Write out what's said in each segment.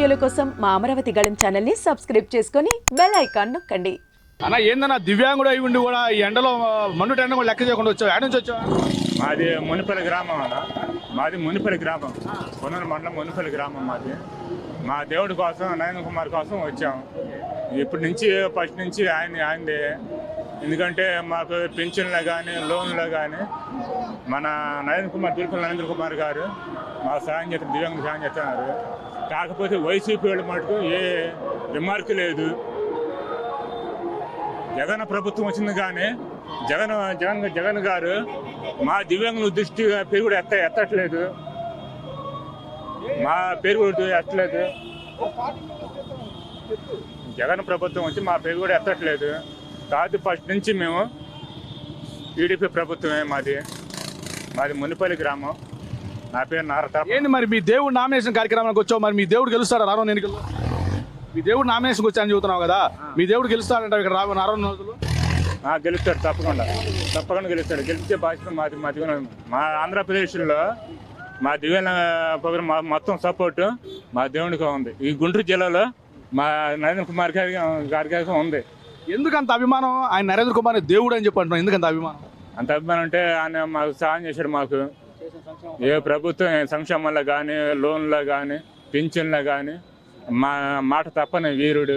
వీడియోల కోసం మా అమరావతి గళం ఛానల్ని సబ్స్క్రైబ్ చేసుకొని బెల్ ఐకాన్ నొక్కండి. అన్న ఏందన్నా దివ్యాంగుడు అయి ఉండి కూడా ఈ ఎండలో మండు ఎండ కూడా లెక్క చేయకుండా వచ్చావు. ఎక్కడి నుంచి వచ్చావు? మాది మునిపల్లి గ్రామం అన్న. మాది మునిపల్లి గ్రామం, కొన్నూరు మండలం మునిపల్లి గ్రామం మాది. మా దేవుడి కోసం, నయన కుమార్ కోసం వచ్చాము. ఇప్పటి నుంచి ఫస్ట్ నుంచి ఆయనదే. ఎందుకంటే మాకు పెన్షన్లో కానీ లోన్లో కానీ మన నయన కుమార్, తిరుపతి నరేంద్ర కుమార్ గారు మా సాయం చేస్తారు, దివ్యాంగులు సాయం చేస్తున్నారు. కాకపోతే వైసీపీ వాళ్ళు మటుకు ఏ రిమార్క్ లేదు. జగన్ ప్రభుత్వం వచ్చింది కానీ జగన్ గారు మా దివ్యాంగుల దృష్టి పేరు కూడా ఎత్తట్లేదు. మా పేరు కూడా ఎత్తలేదు. జగన్ ప్రభుత్వం వచ్చి మా పేరు కూడా ఎత్తట్లేదు. కాదు ఫస్ట్ నుంచి మేము టీడీపీ ప్రభుత్వమే. మాది మునిపల్లి గ్రామం. నా పేరు నారత. ఏంటి మరి మీ దేవుడు నామినేషన్ కార్యక్రమానికి వచ్చావు? మరి మీ దేవుడు గెలుస్తాడా రానున్న ఎన్నికల్లో? మీ దేవుడు నామినేషన్కి వచ్చాయని చెబుతున్నావు కదా, మీ దేవుడు గెలుస్తాడంట ఇక్కడ రానున్న రోజులు? గెలుస్తాడు, తప్పకుండా గెలుస్తాడు. గెలిచే బాధ్యత మాది. మా ఆంధ్రప్రదేశ్లో మా దివ్యాంగ ప్రోగ్రాం మొత్తం సపోర్టు మా దేవునికి ఉంది. ఈ గుంటూరు జిల్లాలో మా నరేంద్ర కుమార్ గారికి ఉంది. ఎందుకు అంత అభిమానం? ఆయన నరేంద్ర కుమార్ దేవుడు అని చెప్పి అంటున్నాం. ఎందుకు అంత అభిమానం? అంత అభిమానం అంటే ఆయన మాకు సహాయం చేశాడు. మాకు ఏ ప్రభుత్వం సంక్షేమంలో కానీ, లోన్లో కానీ, పింఛన్లో కానీ మా మాట తప్పని వీరుడు.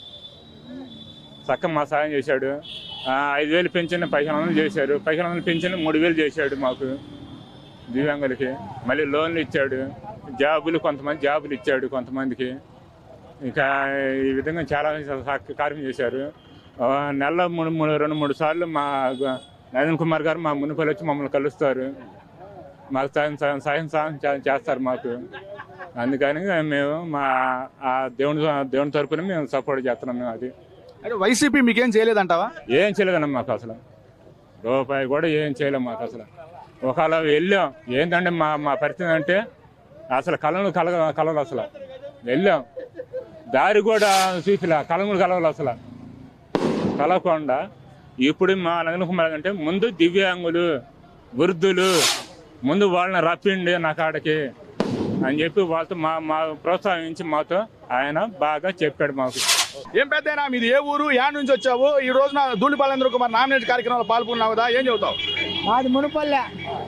చక్కగా మా సాయం చేశాడు. 5,000 పెన్షన్ 1,500 చేశాడు. 1,500 పెన్షన్ 3,000 చేశాడు మాకు దివ్యాంగులకి. మళ్ళీ లోన్లు ఇచ్చాడు. కొంతమంది జాబులు ఇచ్చాడు కొంతమందికి. ఇంకా ఈ విధంగా చాలా కార్యం చేశారు. నెలలో 2-3 సార్లు మా నరేంద్ర కుమార్ గారు మా మునిపల్లి వచ్చి మమ్మల్ని కలుస్తారు. మాకు సాయం చేస్తారు మాకు. అందుకని మేము మా దేవుని తరపున మేము సపోర్ట్ చేస్తున్నాం. మేము అది అంటే వైసీపీ మీకేం చేయలేదంటావా? ఏం చేయలేదన్న మాకు అసలు. రూపాయి కూడా ఏం చేయలేము మాకు అసలు. ఒకవేళ వెళ్ళాం ఏంటంటే మా పరిస్థితి అంటే అసలు కలవలు అసలు. వెళ్ళాం దారి కూడా చూసిలా, కలవలు అసలు కలవకుండా. ఇప్పుడు మా నరేంద్ర కుమార్ అంటే ముందు దివ్యాంగులు, వృద్ధులు ముందు వాళ్ళని రప్పిండి నా కాడకి అని చెప్పి వాళ్ళతో మా ప్రోత్సహించి మాతో ఆయన బాగా చెప్పాడు మాకు. ఏం పెద్దయినా మీది ఏ ఊరు, యాడ్ నుంచి వచ్చావు? ఈ రోజున ధూళిపాల నరేంద్ర కుమార్ నామినేషన్ కార్యక్రమంలో పాల్గొన్నావు కదా, ఏం చెబుతావు? మాది మునుపల్లె.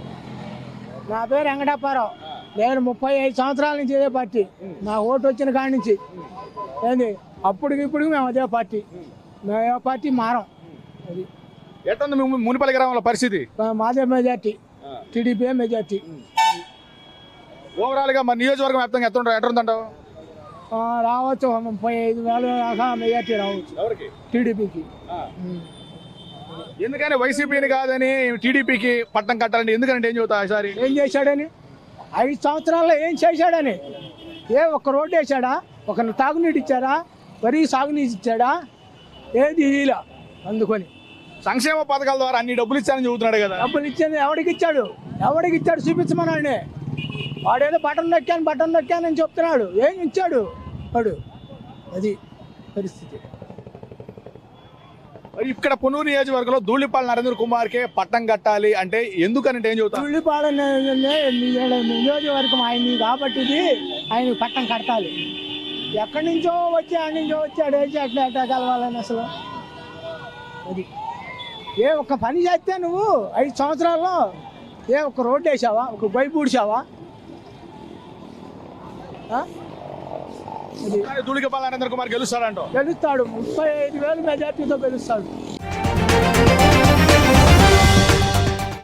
నా పేరు వెంకటప్పారావు. నేను 35 సంవత్సరాల నుంచి ఇదే పార్టీ. నా ఓటు వచ్చిన కాడి నుంచి ఏంది అప్పటికి ఇప్పుడు మేము అదే పార్టీ. మేము ఏ పార్టీ మారం. అది ఎట్టుంది మునిపల్లి గ్రామంలో పరిస్థితి? మాదే మెజార్టీ, టీడీపీ మెజార్టీ. ఓవరాల్ గా మన నియోజకవర్గం వ్యాప్తంగా ఎట్టుందంటావు? రావచ్చు 35,000 దాకా మెజార్టీ రావచ్చు టీడీపీకి. ఎందుకని వైసీపీని కాదని టీడీపీకి పట్టం కట్టాలని ఎందుకంటే ఏం చెబుతా? ఈసారి ఏం చేశాడని, 5 సంవత్సరాల్లో ఏం చేశాడని? ఒక్క రోడ్డు వేసాడా? ఒక తాగునీటి ఇచ్చాడా? వరి సాగునీటి ఇచ్చాడా? ఏది ఇలా. అందుకొని సంక్షేమ పథకాల ద్వారా అన్ని డబ్బులు ఇచ్చారని చెబుతున్నాడు కదా. డబ్బులు ఇచ్చేది ఎవడికి ఇచ్చాడు చూపించమనండి. వాడేదో బటన్ నొక్కానని చెప్తున్నాడు. ఏం ఇచ్చాడు వాడు? అది పరిస్థితి. మరి ఇక్కడ పొన్నూరు నియోజకవర్గంలో ధూళిపాల నరేంద్ర కుమార్కే పట్టం కట్టాలి అంటే ఎందుకనంటే ఏం చెబుతారు? ధూళిపాల నియోజకవర్గం ఆయన్ని కాబట్టి ఆయన పట్టం కట్టాలి. ఎక్కడి నుంచో వచ్చి అడేసి అట్లా కలవాలని అసలు. అది ఒక్క పని చేస్తే నువ్వు 5 సంవత్సరాల్లో ఒక్క రోడ్డు వేసావా? ఒక బైపు ఊడ్చావా? ధూళిపాల నరేంద్ర కుమార్ గెలుస్తాడు. 35,000 మెజార్టీతో గెలుస్తాడు.